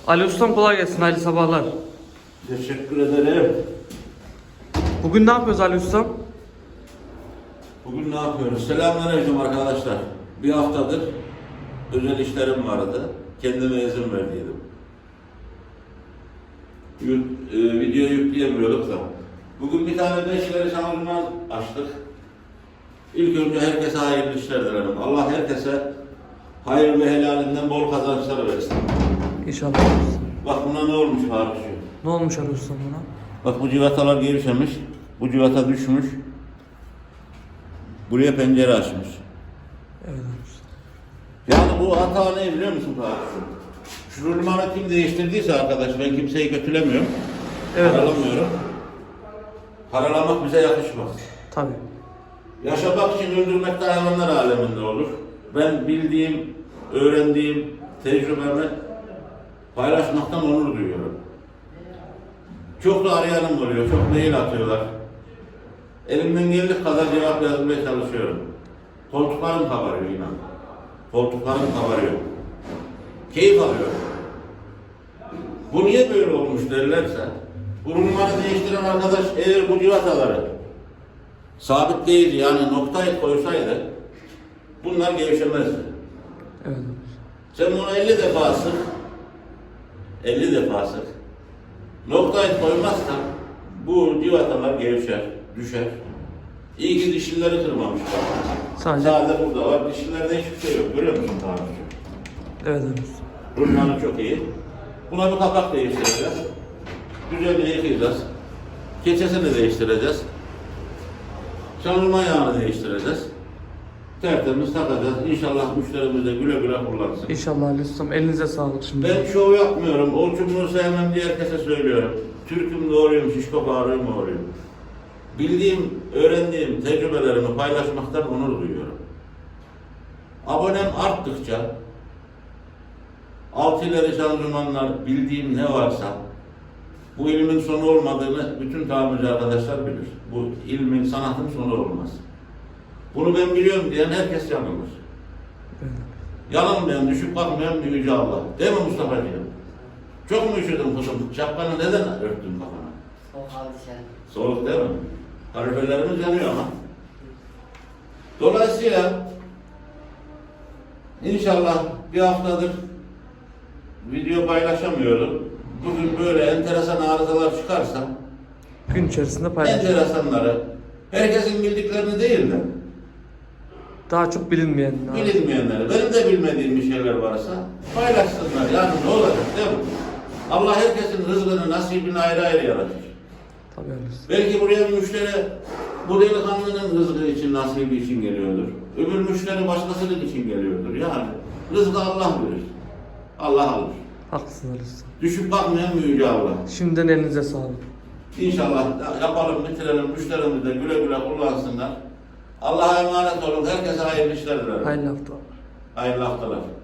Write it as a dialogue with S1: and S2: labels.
S1: Ali Ustam kolay gelsin, hayırlı sabahlar.
S2: Teşekkür ederim.
S1: Bugün ne yapıyoruz Ali Ustam?
S2: Bugün ne yapıyoruz? Selamünaleyküm arkadaşlar. Bir haftadır özel işlerim vardı. Kendime izin verdiydim. Video yükleyemiyorduk da. Bugün bir tane de işleri şanzıman açtık. İlk önce herkese hayırlı işler dilerim. Allah herkese hayır ve helalinden bol kazançlar versin.
S1: İnşallah Ali Ustam.
S2: Bak buna ne olmuş Faruk'cuğum?
S1: Ne olmuş Ali Ustam buna?
S2: Bak bu civatalar gevşemiş. Bu civata düşmüş. Buraya pencere açmış.
S1: Evet Ali Ustam.
S2: Yani bu hata ne biliyor musun Faruk? Şu rulmanı kim değiştirdiyse arkadaş, ben kimseyi kötülemiyorum.
S1: Evet.
S2: Karalamıyorum. Karalamak bize yakışmaz.
S1: Tabii.
S2: Yaşamak için öldürmek de hayvanlar aleminde olur. Ben bildiğim, öğrendiğim tecrübemi paylaşmaktan onur duyuyorum. Çok da arayanım oluyor, çok mail atıyorlar. Elimden geldiği kadar cevap yazmaya çalışıyorum. Koltuklarım kabarıyor inan. Koltuklarım kabarıyor. Keyif alıyorum. Bu niye böyle olmuş derlerse, bu rulmanı değiştiren arkadaş eğer bu civataları sabit değil yani noktayı koysaydı bunlar gevşemezdi.
S1: Evet.
S2: Sen bunu 50 defa sık, 50 defa sık. Noktayı koymazsan bu civatalar gevşer, düşer. İyi ki dişlileri kırmamış.
S1: Sadece.
S2: Burada var, dişlilerde hiçbir şey yok. Görüyor musun Tanrıcığım?
S1: Evet Ali Ustam.
S2: Rulmanı çok iyi. Buna bir kapak değiştireceğiz. Güzelce yıkayacağız. Keçesini değiştireceğiz. Şanzıman yağını değiştireceğiz. Tertemiz takacağız. İnşallah müşterimiz de güle güle kullansın.
S1: İnşallah Ali Ustam. Elinize sağlık şimdi.
S2: Ben şov yapmıyorum. O çubuğu sevmem diye herkese söylüyorum. Türk'üm doğruyum, şişko bağırıyorum doğruyum. Bildiğim, öğrendiğim tecrübelerimi paylaşmaktan onur duyuyorum. Abonem arttıkça alt ileri şanzımanlar, bildiğim ne varsa bu ilmin sonu olmadığını bütün tamirci arkadaşlar bilir. Bu ilmin, sanatın sonu olmaz. Bunu ben biliyorum diyen herkes yanılır.
S1: Evet.
S2: Yanılmayan, düşüp kalkmayan bir yüce Allah. Değil mi Mustafa'cığım? Çok mu üşüdün kuzum? Şapkanı neden örttün kafana?
S3: Soğuk aldı sen.
S2: Soğuk değil mi? Kaloriferlerimiz yanıyor ama. Dolayısıyla inşallah bir haftadır video paylaşamıyorum. Bugün böyle enteresan arızalar çıkarsa
S1: Gün içerisinde paylaşacağız.
S2: enteresanları herkesin bildiklerini değil de
S1: Daha çok bilinmeyen.
S2: bilinmeyenleri, benim de bilmediğim bir şeyler varsa paylaşsınlar. Yani ne olacak değil mi? Allah herkesin rızkını, nasibini ayrı ayrı yaratır.
S1: Tabii Ali Ustam.
S2: Belki buraya bir müşteri bu delikanlının rızkı için, nasibi için geliyordur. Öbür müşteri başkasının için geliyordur. Yani rızkı Allah verir. Allah alır.
S1: Haklısın Ali Ustam.
S2: Düşüp bakmayan bir yüce Allah.
S1: Şimdiden elinize sağlık.
S2: İnşallah yapalım, bitirelim, müşterimiz de güle güle kullansınlar. Allah'a emanet olun. Herkese hayırlı işler dilerim.
S1: Hayırlı haftalar.
S2: Hayırlı haftalar.